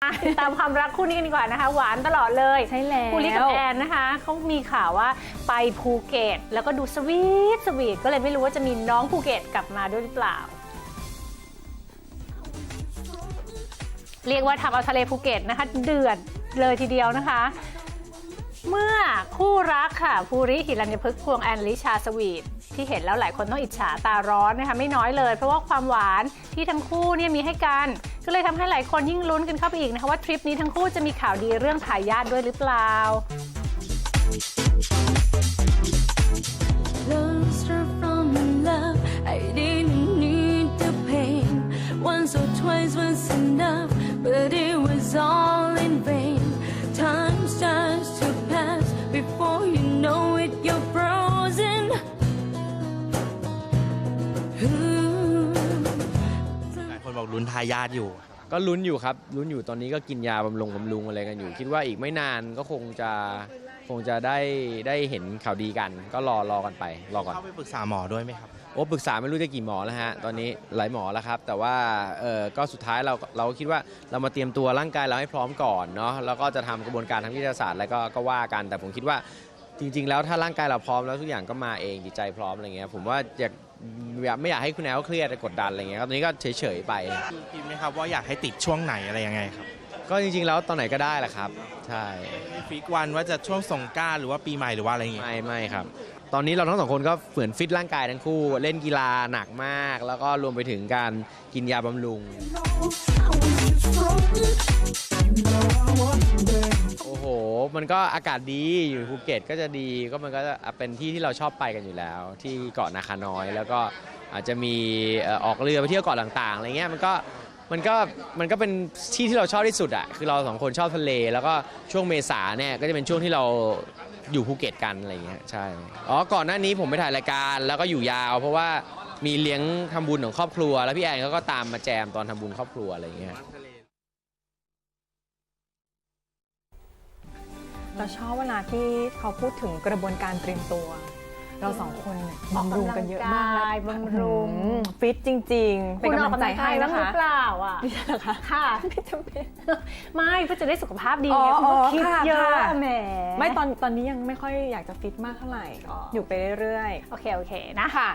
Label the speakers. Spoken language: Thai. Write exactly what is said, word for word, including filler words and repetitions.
Speaker 1: ตามความรักคู่นี้กันดีกว่านะคะหวานตลอดเลยใช่แล้วคู่ลิกับแอนนะคะเขามีข่าวว่าไปภูเก็ตแล้วก็ดูสวีทสวีทก็เลยไม่รู้ว่าจะมีน้องภูเก็ตกลับมาด้วยหรือเปล่าเรียกว่าทำเอาทะเลภูเก็ตนะคะเดือดเลยทีเดียวนะคะเมื่อคู่รักค่ะภูริหิรัญญพฤกษ์ควงแอนลิชาสวีทที่เห็นแล้วหลายคนต้องอิจฉาตาร้อนนะคะไม่น้อยเลยเพราะว่าความหวานที่ทั้งคู่เนี่ยมีให้กันก็เลยทำให้หลายคนยิ่งลุ้นกันเข้าไปอีกนะคะว่าทริปนี้ทั้งคู่จะมีข่าวดีเรื่องทายาทด้วยหรือเปล่า
Speaker 2: Once or twice was enough, but it was all in vain. Time starts to pass before you know it, you're frozen.
Speaker 3: หลายคนบอกลุ้นทายาทอยู่
Speaker 4: ก็ลุ้นอยู่ครับลุ้นอยู่ตอนนี้ก็กินยาบำรุงบำรุงอะไรกันอยู่คิดว่าอีกไม่นานก็คงจะคงจะได้ได้เห็นข่าวดีกันก็รอรอกันไปรอก่อน
Speaker 3: เข้าไปปรึกษาหมอด้วยไหมครับ
Speaker 4: โอ้ปรึกษาไม่รู้จะกี่หมอแล้วฮะตอนนี้หลายหมอแล้วครับแต่ว่าเออก็สุดท้ายเราเราคิดว่าเรามาเตรียมตัวร่างกายเราให้พร้อมก่อนเนาะแล้วก็จะทำกระบวนการทางวิทยาศาสตร์แล้วก็ก็ว่ากันแต่ผมคิดว่าจริงๆแล้วถ้าร่างกายเราพร้อมแล้วทุกอย่างก็มาเองจิตใจพร้อมอะไรเงี้ยผมว่าอยากไม่อยากให้คุณแอลเครียดกดดันอะไรเงี้ยครับตอนนี้ก็เฉยๆไป
Speaker 3: คิดไหมครับว่าอยากให้ติดช่วงไหนอะไรยังไงครับ
Speaker 4: ก็จริงๆแล้วตอนไหนก็ได้แหละครับใช่
Speaker 3: ฟิกวันว่าจะช่วงสงกรานต์หรือว่าปีใหม่หรือว่าอะไรเงี้ย
Speaker 4: ไม่ไม่ครับตอนนี้เราทั้งสองคนก็ฝืนฟิตร่างกายทั้งคู่เล่นกีฬาหนักมากแล้วก็รวมไปถึงการกินยาบำรุงโอ้โหมันก็อากาศดีอยู่ภูเก็ตก็จะดีก็มันก็จะเป็นที่ที่เราชอบไปกันอยู่แล้วที่เกาะนาคาน้อยแล้วก็อาจจะมีออกเรือไปเที่ยวเกาะต่างๆอะไรเงี้ยมันก็มันก็มันก็เป็นที่ที่เราชอบที่สุดอ่ะคือเราสองคนชอบทะเลแล้วก็ช่วงเมษาเนี่ยก็จะเป็นช่วงที่เราอยู่ภูเก็ตกันอะไรเงี้ยใช่อ๋อก่อนหน้านี้ผมไปถ่ายรายการแล้วก็อยู่ยาวเพราะว่ามีเลี้ยงทำบุญของครอบครัวแล้วพี่แอนเขาก็ตามมาแจมตอนทำบุญครอบครัวอะไรเงี้ย
Speaker 5: เราชอบเวลาที่เขาพูดถึงกระบวนการเตรียมตัวเราสองคนบำรุงกันเยอะมาก
Speaker 1: บำรุง
Speaker 5: ฟิตจริงๆเป็นกำลังใจให้นะคะ
Speaker 1: หรือเปล่าอ่ะ
Speaker 5: ไม่ใช่หรอคะ
Speaker 1: ค่ะ
Speaker 5: ไม่จำเป็น
Speaker 1: ไม่เพื่อจะได้สุขภาพดีไงคุณก็คิดเยอะแหม
Speaker 5: ไม่ตอนตอนนี้ยังไม่ค่อยอยากจะฟิตมากเท่าไหร่อยู่ไปเรื่อย
Speaker 1: ๆโอเคโอเคนะค่ะ